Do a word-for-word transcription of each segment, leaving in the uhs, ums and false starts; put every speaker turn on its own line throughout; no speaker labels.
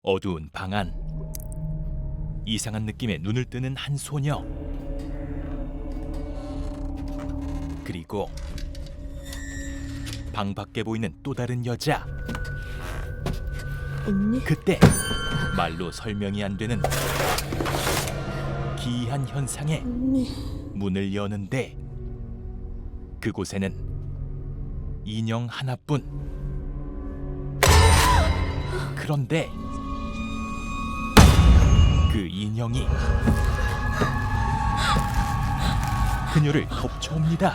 어두운 방 안. 이상한 느낌에 눈을 뜨는 한 소녀. 그리고 방 밖에 보이는 또 다른 여자.
언니?
그때 말로 설명이 안 되는 기이한 현상에
언니.
문을 여는데 그곳에는 인형 하나뿐. 그런데 그 인형이 그녀를 덮쳐옵니다.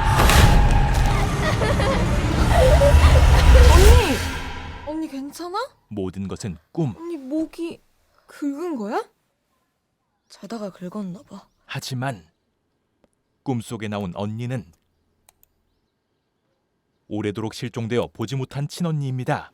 언니! 언니 괜찮아?
모든 것은 꿈.
언니 목이 긁은 거야? 자다가 긁었나 봐.
하지만 꿈속에 나온 언니는 오래도록 실종되어 보지 못한 친언니입니다.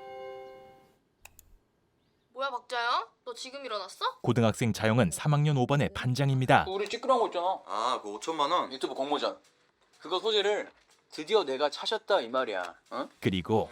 뭐야 박자영? 너 지금 일어났어?
고등학생 자영은 삼 학년 오 반의 반장입니다.
우리 찌끄러운 거 있잖아.
아, 그 오천만 원?
유튜브 공모전. 그거 소재를 드디어 내가 찾았다 이 말이야. 어?
그리고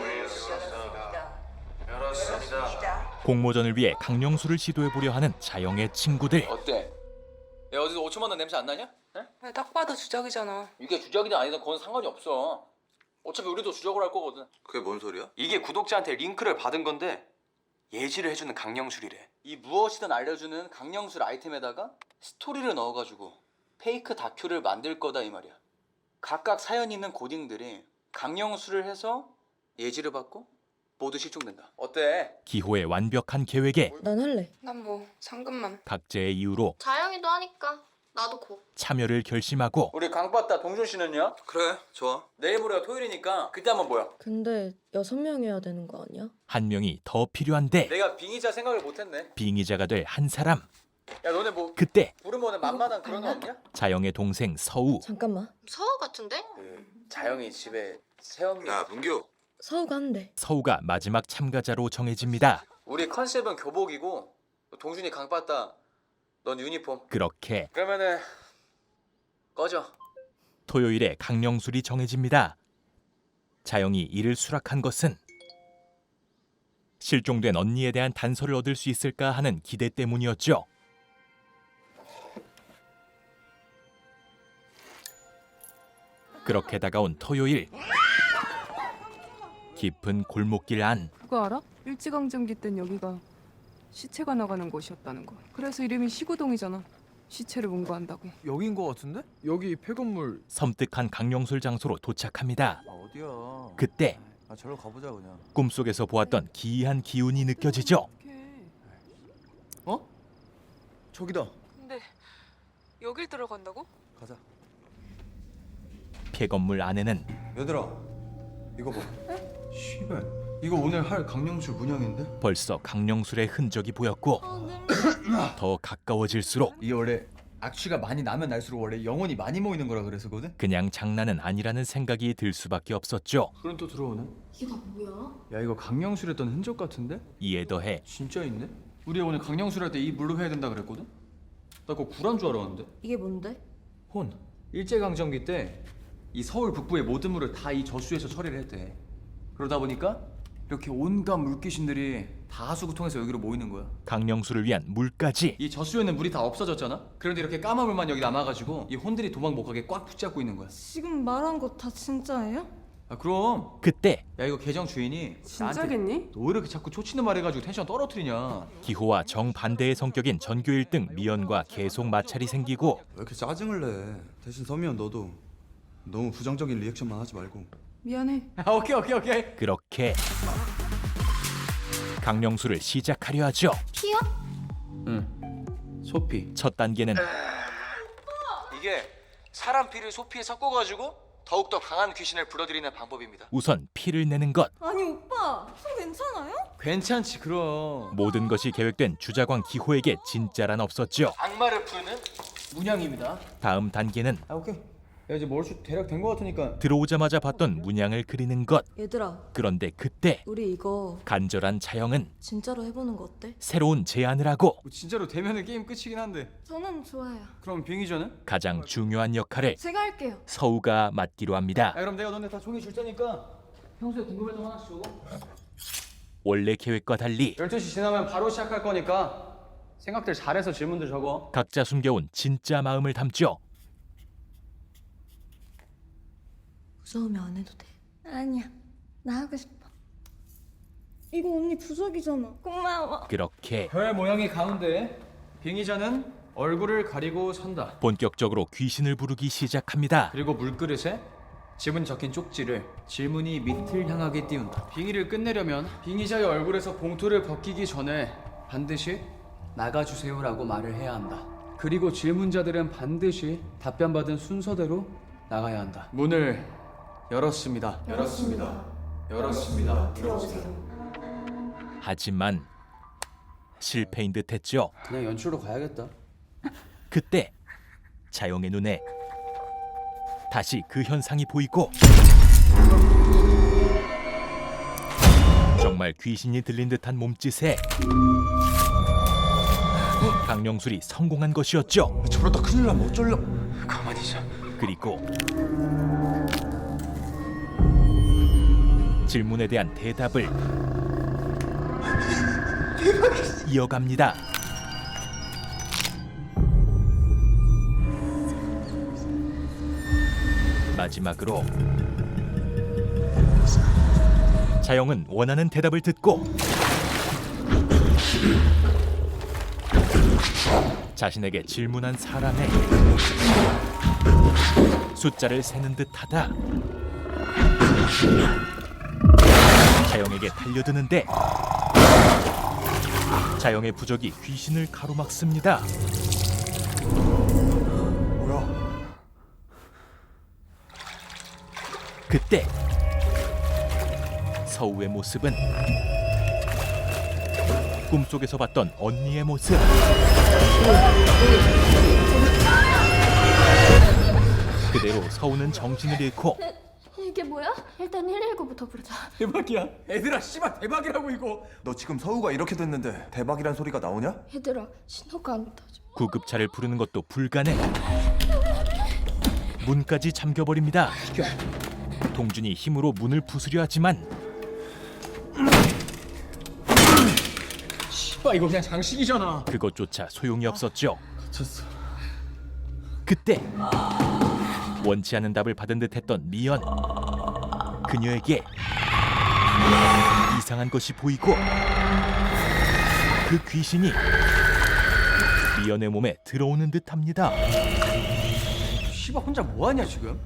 공모전을 위해 강령술을 시도해보려 하는 자영의 친구들.
어때? 야 어디서 오천만 원 냄새 안 나냐? 에?
딱 봐도 주작이잖아.
이게 주작이든 아니든 그건 상관이 없어. 어차피 우리도 주작을 할 거거든.
그게 뭔 소리야?
이게 구독자한테 링크를 받은 건데 예지를 해주는 강령술이래.
이 무엇이든 알려주는 강령술 아이템에다가 스토리를 넣어가지고 페이크 다큐를 만들 거다 이 말이야. 각각 사연 있는 고딩들이 강령술을 해서 예지를 받고 모두 실종된다. 어때?
기호의 완벽한 계획에
난 할래.
난 뭐 상금만.
각자의 이유로
자영이도 하니까 나도 고.
참여를 결심하고
우리 강빠따 동준 씨는요?
그래, 좋아.
내일 모레가 토요일이니까 그때 한번 모여.
근데 여섯 명 해야 되는 거 아니야?
한 명이 더 필요한데
내가 빙의자 생각을 못했네.
빙의자가 될 한 사람.
야 너네 뭐
그때
부르면은 만만한 그런 거 없냐?
자영의 동생 서우.
잠깐만.
서우 같은데?
그 자영이 집에 새엄니.
야, 문규.
서우가 한대.
서우가 마지막 참가자로 정해집니다.
우리 컨셉은 교복이고 동준이 강빠따, 넌 유니폼.
그렇게
그러면은 꺼져.
토요일에 강령술이 정해집니다. 자영이 이를 수락한 것은 실종된 언니에 대한 단서를 얻을 수 있을까 하는 기대 때문이었죠. 그렇게 다가온 토요일. 깊은 골목길 안.
그거 알아? 일제강점기 땐 여기가 시체가 나가는 곳이었다는 거. 그래서 이름이 시구동이잖아. 시체를 문구한다고.
여긴 거 같은데? 여기 폐건물.
섬뜩한 강령술 장소로 도착합니다.
아, 어디야?
그때
아, 저로 가보자 그냥.
꿈속에서 보았던 기이한 기운이 느껴지죠.
어떡해.
어? 저기다.
근데 여길 들어간다고?
가자.
폐건물 안에는
얘들아, 이거 봐. 씨발, 이거 오늘 할 강령술 문양인데?
벌써 강령술의 흔적이 보였고 더 가까워질수록
이게 원래 악취가 많이 나면 날수록 원래 영혼이 많이 모이는 거라 그래서거든?
그냥 장난은 아니라는 생각이 들 수밖에 없었죠.
그럼 또 들어오네.
이게 다 뭐야?
야, 이거 강령술 했던 흔적 같은데?
이에 더해
진짜 있네? 우리 오늘 강령술 할 때 이 물로 해야 된다 그랬거든? 나 그거 구란 줄 알았는데?
이게 뭔데?
혼. 일제강점기 때 이 서울 북부의 모든 물을 다 이 저수에서 처리를 했대. 그러다 보니까 이렇게 온갖 물귀신들이 다 하수구통해서 여기로 모이는 거야.
강령술을 위한 물까지.
이 저수에는 물이 다 없어졌잖아? 그런데 이렇게 까만 물만 여기 남아가지고 이 혼들이 도망 못 가게 꽉 붙잡고 있는 거야.
지금 말한 거 다 진짜예요?
아 그럼.
그때
야 이거 계정 주인이
진짜겠니?
나한테 너 왜 이렇게 자꾸 초치는 말 해가지고 텐션 떨어뜨리냐.
기호와 정반대의 성격인 전교 일 등 미연과 계속 마찰이 생기고
왜 이렇게 짜증을 내? 대신 서미연 너도 너무 부정적인 리액션만 하지 말고.
미안해.
아 오케이 오케이 오케이.
그렇게 강령술을 시작하려 하죠.
피어?
응. 소피.
첫 단계는
이게 사람 피를 소피에 섞어가지고 더욱더 강한 귀신을 불러들이는 방법입니다.
우선 피를 내는 것.
아니 오빠, 손 괜찮아요?
괜찮지 그럼.
모든 것이 계획된 주자광 기호에게 진짜란 없었죠.
악마를 부르는
문양입니다.
다음 단계는
아 오케이. 야 이제 머리숱 대략 된 거 같으니까.
들어오자마자 봤던 문양을 그리는 것.
얘들아,
그런데 그때
우리 이거
간절한 자영은
진짜로 해보는 거 어때?
새로운 제안을 하고
뭐 진짜로 되면은 게임 끝이긴 한데.
저는 좋아요.
그럼 빙의전은?
가장 중요한 역할을
제가 할게요.
서우가 맡기로 합니다.
아 그럼 내가 너네 다 종이 줄 테니까 평소에 궁금했던 거 하나씩 적어.
원래 계획과 달리
열두 시 지나면 바로 시작할 거니까 생각들 잘해서 질문들 적어.
각자 숨겨온 진짜 마음을 담죠.
무서우면 안 해도 돼.
아니야. 나 하고 싶어.
이거 언니 부적이잖아.
고마워.
그렇게
별 모양이 가운데 빙의자는 얼굴을 가리고 선다.
본격적으로 귀신을 부르기 시작합니다.
그리고 물그릇에 지문 적힌 쪽지를 질문이 밑을 향하게 띄운다. 빙의를 끝내려면 빙의자의 얼굴에서 봉투를 벗기기 전에 반드시 나가주세요라고 말을 해야 한다. 그리고 질문자들은 반드시 답변받은 순서대로 나가야 한다. 문을 열었습니다. 열었습니다. 열었습니다. 열었습니다.
하지만 실패인 듯했죠.
그냥 연출로 가야겠다.
그때 자영의 눈에 다시 그 현상이 보이고 정말 귀신이 들린 듯한 몸짓에 강령술이 성공한 것이었죠.
저러다 큰일 나면 어쩔려.
가만히 있어.
그리고 질문에 대한 대답을 이어갑니다. 마지막으로 자영은 원하는 대답을 듣고 자신에게 질문한 사람의 숫자를 세는 듯하다. 자영에게 달려드는데 자영의 부적이 귀신을 가로막습니다.
뭐야?
그때 서우의 모습은 꿈속에서 봤던 언니의 모습. 그대로 서우는 정신을 잃고
이게 뭐야? 일단 일일구부터 부르자.
대박이야. 애들아 씨발 대박이라고 이거.
너 지금 서우가 이렇게 됐는데 대박이란 소리가 나오냐?
얘들아, 신호가 안 터져.
구급차를 부르는 것도 불가능. 문까지 잠겨버립니다. 동준이 힘으로 문을 부수려 하지만
씨발 이거 그냥 장식이잖아.
그것조차 소용이 없었죠.
갇혔어.
그때 원치 않은 답을 받은 듯했던 미연. 그녀에게 이상한 것이 보이고 그 귀신이 미연의 몸에 들어오는 듯합니다.
씨발 혼자 뭐하냐 지금?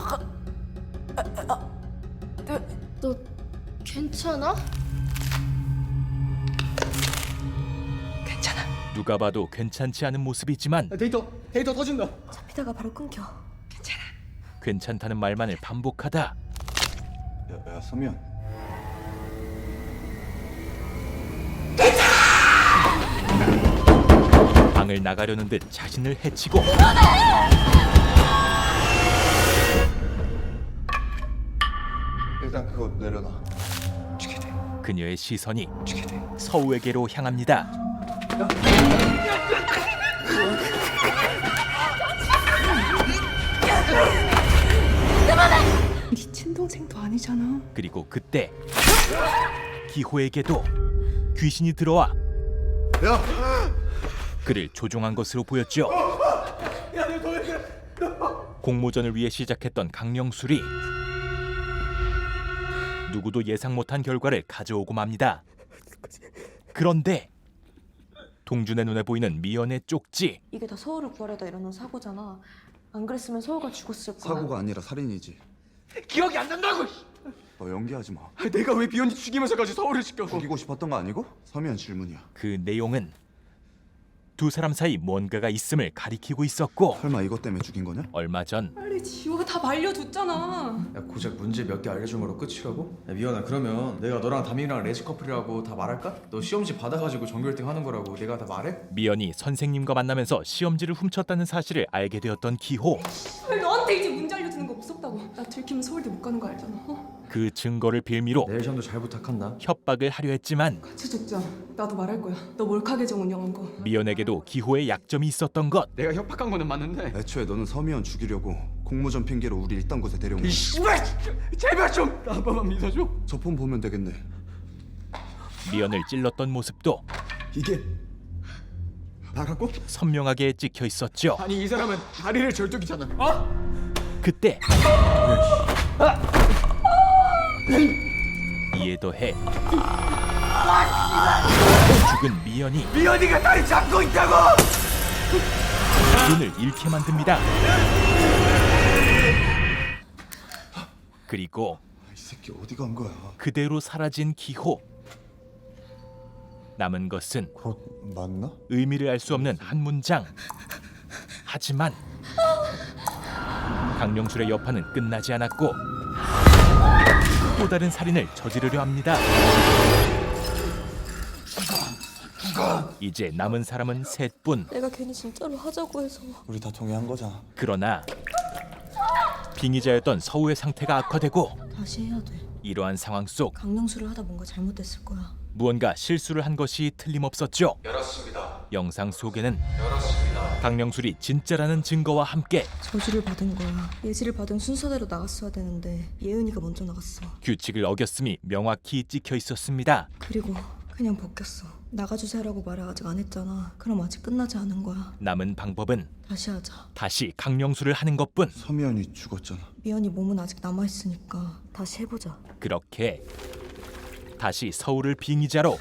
너 괜찮아?
누가 봐도 괜찮지 않은 모습이지만
데이터 데이터 터진다.
잡히다가 바로 끊겨.
괜찮다는 말만을 반복하다
야, 야 서미연.
방을 나가려는 듯 자신을 해치고
일단 그거 내려놔.
그녀의 시선이 서우에게로 향합니다.
네 친동생도 아니잖아.
그리고 그때 기호에게도 귀신이 들어와
야!
그를 조종한 것으로 보였죠. 공모전을 위해 시작했던 강령술이 누구도 예상 못한 결과를 가져오고 맙니다. 그런데 동준의 눈에 보이는 미연의 쪽지.
이게 다 서울을 구하려다 일어난 사고잖아. 안 그랬으면 서울가 죽었을 거야.
사고가 아니라 살인이지.
기억이 안 난다고.
너 연기하지 마.
내가 왜 비연이 죽이면서까지 서울을 시켜?
죽이고 싶었던 거 아니고? 서미연 질문이야.
그 내용은 두 사람 사이 뭔가가 있음을 가리키고 있었고
설마 이것 때문에 죽인 거냐?
얼마 전
빨리 지호가 다 말려줬잖아.
야 고작 문제 몇 개 알려준 거로 끝이라고? 야 미연아 그러면 내가 너랑 담임이랑 레지 커플이라고 다 말할까? 너 시험지 받아가지고 전교 일 등 하는 거라고 내가 다 말해?
미연이 선생님과 만나면서 시험지를 훔쳤다는 사실을 알게 되었던 기호.
너한테 이제 문제 알려주는 거 무섭다고. 나 들키면 서울대 못 가는 거 알잖아. 어?
그 증거를 빌미로
내일 시험도 잘 부탁한다.
협박을 하려 했지만
같이 죽자. 나도 말할 거야. 너 몰카 계정 운영한 거.
미연에게도 기호의 약점이 있었던 것.
내가 협박한 거는 맞는데.
애초에 너는 서미연 죽이려고 공모전 핑계로 우리 일단 곳에 데려온 거야.
이 씨발 제발 좀 나 한 번만 믿어줘.
저 폰 보면 되겠네.
미연을 찔렀던 모습도
이게 나라고?
선명하게 찍혀 있었죠.
아니 이 사람은 다리를 절뚝이잖아. 어?
그때 이에 더해 죽은 미연이
미연이가 다리 잡고 있다고!
눈을 잃게 만듭니다. 그리고
이 새끼 어디 간 거야?
그대로 사라진 기호. 남은 것은
곧 맞나?
의미를 알 수 없는 한 문장. 하지만 강령술의 여파는 끝나지 않았고 또 다른 살인을 저지르려 합니다. 이제 남은 사람은 셋뿐.
내가 괜히 진짜로 하자고 해서.
우리 다 동의한 거잖아.
그러나 빙의자였던 서우의 상태가 악화되고
다시 해야 돼.
이러한 상황 속
강령술을 하다 뭔가 잘못됐을 거야.
무언가 실수를 한 것이 틀림없었죠.
열었습니다.
영상 속에는
열었습니다.
강령술이 진짜라는 증거와 함께
저주를 받은 거야. 예지를 받은 순서대로 나갔어야 되는데 예은이가 먼저 나갔어.
규칙을 어겼음이 명확히 찍혀 있었습니다.
그리고 그냥 벗겼어. 나가주세요라고 말을 아직 안 했잖아. 그럼 아직 끝나지 않은 거야.
남은 방법은
다시 하자.
다시 강령술을 하는 것뿐.
서미연이 죽었잖아.
미연이 몸은 아직 남아있으니까 다시 해보자.
그렇게 다시 서울을 빙의자로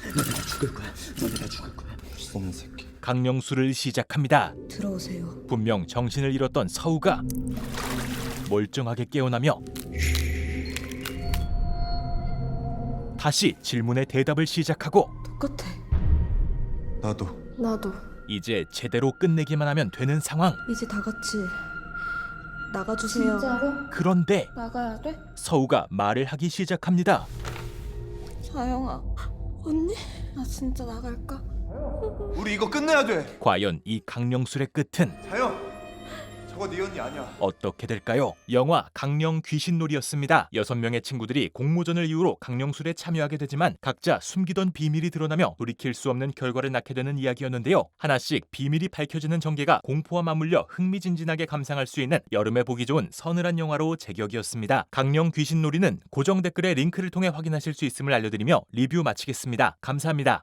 썩는 새끼.
강령술을 시작합니다.
들어오세요.
분명 정신을 잃었던 서우가 멀쩡하게 깨어나며 다시 질문에 대답을 시작하고
똑같아.
나도.
나도.
이제 제대로 끝내기만 하면 되는 상황.
이제 다 같이 나가주세요.
진짜로?
그런데
나가야 돼?
서우가 말을 하기 시작합니다.
자영아, 언니? 나 진짜 나갈까?
우리 이거 끝내야 돼.
과연 이 강령술의 끝은
자영. 저거 네 언니 아니야.
어떻게 될까요? 영화 강령 귀신놀이였습니다. 여섯 명의 친구들이 공모전을 이유로 강령술에 참여하게 되지만 각자 숨기던 비밀이 드러나며 돌이킬 수 없는 결과를 낳게 되는 이야기였는데요. 하나씩 비밀이 밝혀지는 전개가 공포와 맞물려 흥미진진하게 감상할 수 있는 여름에 보기 좋은 서늘한 영화로 제격이었습니다. 강령 귀신놀이는 고정 댓글의 링크를 통해 확인하실 수 있음을 알려드리며 리뷰 마치겠습니다. 감사합니다.